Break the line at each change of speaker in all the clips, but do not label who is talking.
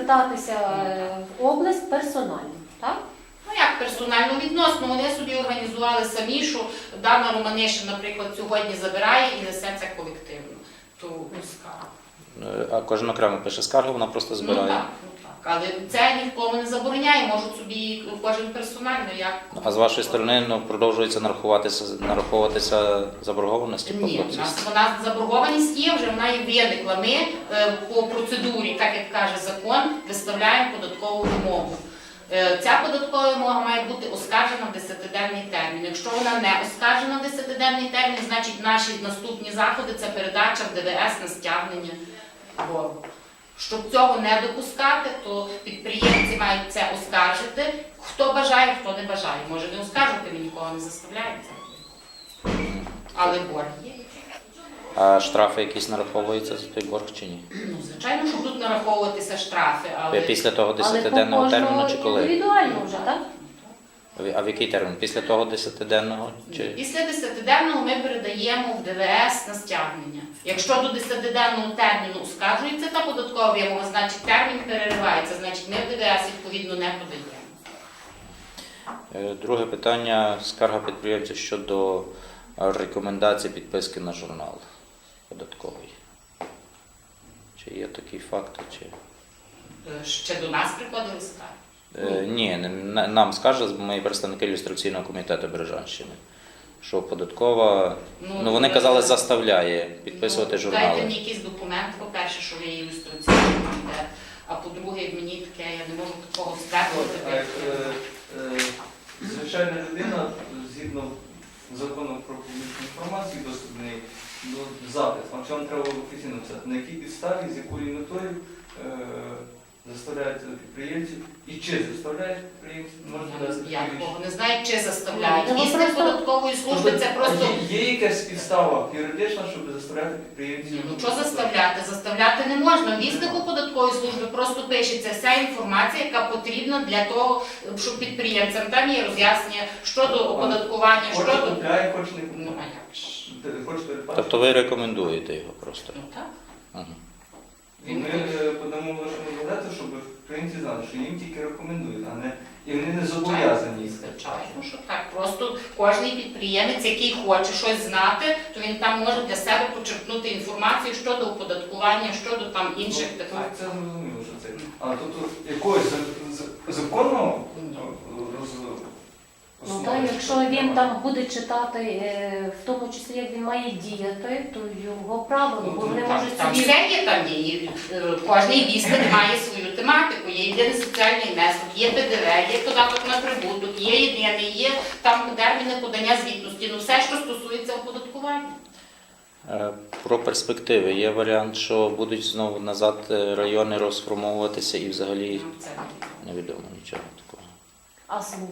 звертатися в область персонально, так?
Ну як персонально відносно, вони собі організували самі, що дана Романишин, наприклад, сьогодні забирає і несе це колективно, ту скаргу.
А кожен окремо пише скаргу, вона просто збирає.
Ну так. Але це нікому не забороняє, можуть собі кожен персонально як.
А з вашої сторони продовжується нараховуватися заборгованості по
Ні,
платці?
у нас заборгованість є, вже вона і виникла. Ми по процедурі, так як каже закон, виставляємо податкову вимогу. Ця податкова вимога має бути оскаржена в 10-денний термін. Якщо вона не оскаржена в 10-денний термін, значить наші наступні заходи – це передача в ДВС на стягнення боргу. Щоб цього не допускати, то підприємці мають це оскаржити. Хто бажає, хто не бажає. Може не оскаржувати, ми нікого не заставляємо це. Але борг є.
А штрафи якісь нараховуються за той борг чи ні?
Ну, звичайно, що будуть нараховуватися штрафи, але...
Після того
Але
10-денного терміну чи коли?
Індивідуально вже, так?
А в який термін? Після того 10-денного? Чи...
Після 10-денного ми передаємо в ДВС на стягнення. Якщо до 10-денного терміну оскаржується та податкова вимога, значить термін переривається, значить ми в ДВС відповідно не подаємо.
Друге питання – скарга підприємців щодо рекомендацій підписки на журнал податковий. Чи є такі факти? Чи...
Ще до нас приходили скарги?
Ні, нам скажуть мої представники ілюстраційного комітету Бережанщини, що податкова, вони казали, заставляє підписувати журнали.
Дайте мені якийсь документ, по-перше, що ви є ілюстраційний комітет, а по-друге, мені таке, я не можу такого стверджувати.
Звичайна людина, згідно закону про публічну інформацію, доступ до неї, запит, вам треба офіційно писати, на якій підставі, з якою метою заставляють підприємців і чи заставляють підприємців,
Я такого не знаю, чи заставляють. Вісник податкової служби це просто...
Є якась підстава юридична, щоб заставляти підприємців?
Ну що заставляти? Заставляти не можна. В віснику податкової служби просто пишеться вся інформація, яка потрібна для того, щоб підприємцям там є роз'яснення щодо оподаткування,
Хоч
щодо...
купляє, хоч не
Ну, а як ж?
Тобто ви рекомендуєте його просто?
Ну так.
Ага.
І ми подамо вашому газету, щоб українці знали, що їм тільки рекомендують, а не і вони не зобов'язані.
Звичайно, що так. Просто кожен підприємець, який хоче щось знати, то він там може для себе почерпнути інформацію щодо оподаткування, щодо там інших питань.
Це зрозуміло, що це. А тут якогось законного
Ну так, якщо він там буде читати, в тому числі як він має діяти, то його право, бо вони можуть
Там
собі...
все є, там є. Кожний вісник має свою тематику. Є єдиний соціальний внесок, є ПДВ, є податок на прибуток, є єдиний, є там терміни подання звітності. Ну все, що стосується оподаткування.
Про перспективи. Є варіант, що будуть знову назад райони розформовуватися і взагалі
Це
невідомо нічого такого.
А слух?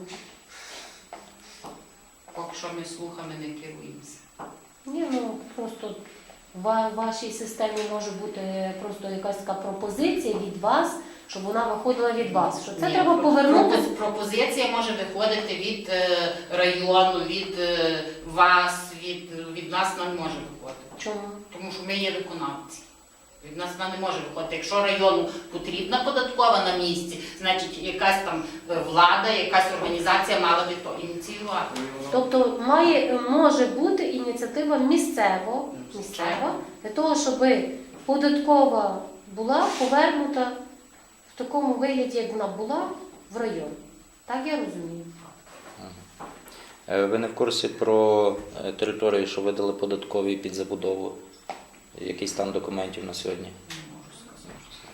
поки що ми слухами не керуємося.
Ні, ну просто в вашій системі може бути просто якась така пропозиція від вас, щоб вона виходила від вас. Що це
Ні,
треба повернути.
Пропозиція може виходити від району, від вас, від нас вона не може виходити.
Чому?
Тому що ми є виконавці. Від нас вона не може виходити. Якщо району потрібна податкова на місці, значить якась там влада, якась організація мала би то ініціювати.
Тобто може бути ініціатива місцева для того, щоб податкова була повернута в такому вигляді, як вона була в район. Так я розумію.
Ви не в курсі про території, що видали податкові під забудову? Який стан документів на сьогодні?
Не можу сказати.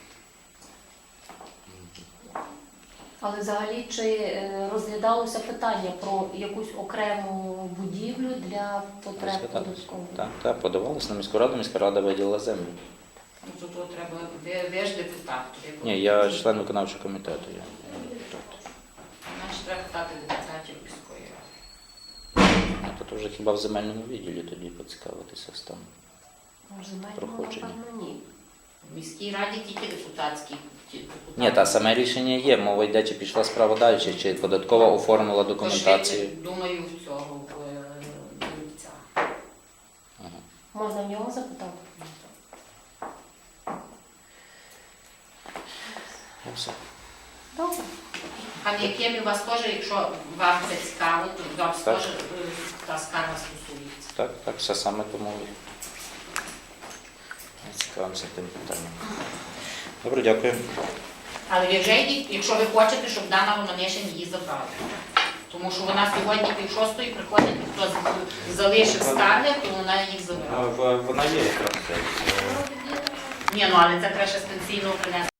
Але взагалі чи розглядалося питання про якусь окрему будівлю для потреб податкової?
Так, подавалося на міську раду, міська рада виділила землю.
Ну, то треба, ви ж депутат.
Ні, я член виконавчого комітету.
Значить, треба питати депутатів міської ради.
Тобто вже хіба в земельному відділі тоді поцікавитися станом проходження?
Напевно, ні.
В міській раді тільки депутатські.
Ні, та саме рішення є. Мова йде, чи пішла справа далі, чи податкова оформила документацію.
Думаю, в цього в Дубця.
Можна в нього запитати?
Все.
Добре.
Пане Якимі, у вас теж, якщо вам це цікаво, то до вас
Так.
теж та скарга стосується.
Так, все саме тому і цікавимося тим питанням. Добре, дякую.
Але ви вже йдіть, якщо ви хочете, щоб Дана Романишин її забрала. Тому що вона сьогодні 5:30 приходить, хто залишив скарги, то вона їх забрала.
Вона є якраз.
Ні, ну але це треба ще з пенсійного принести.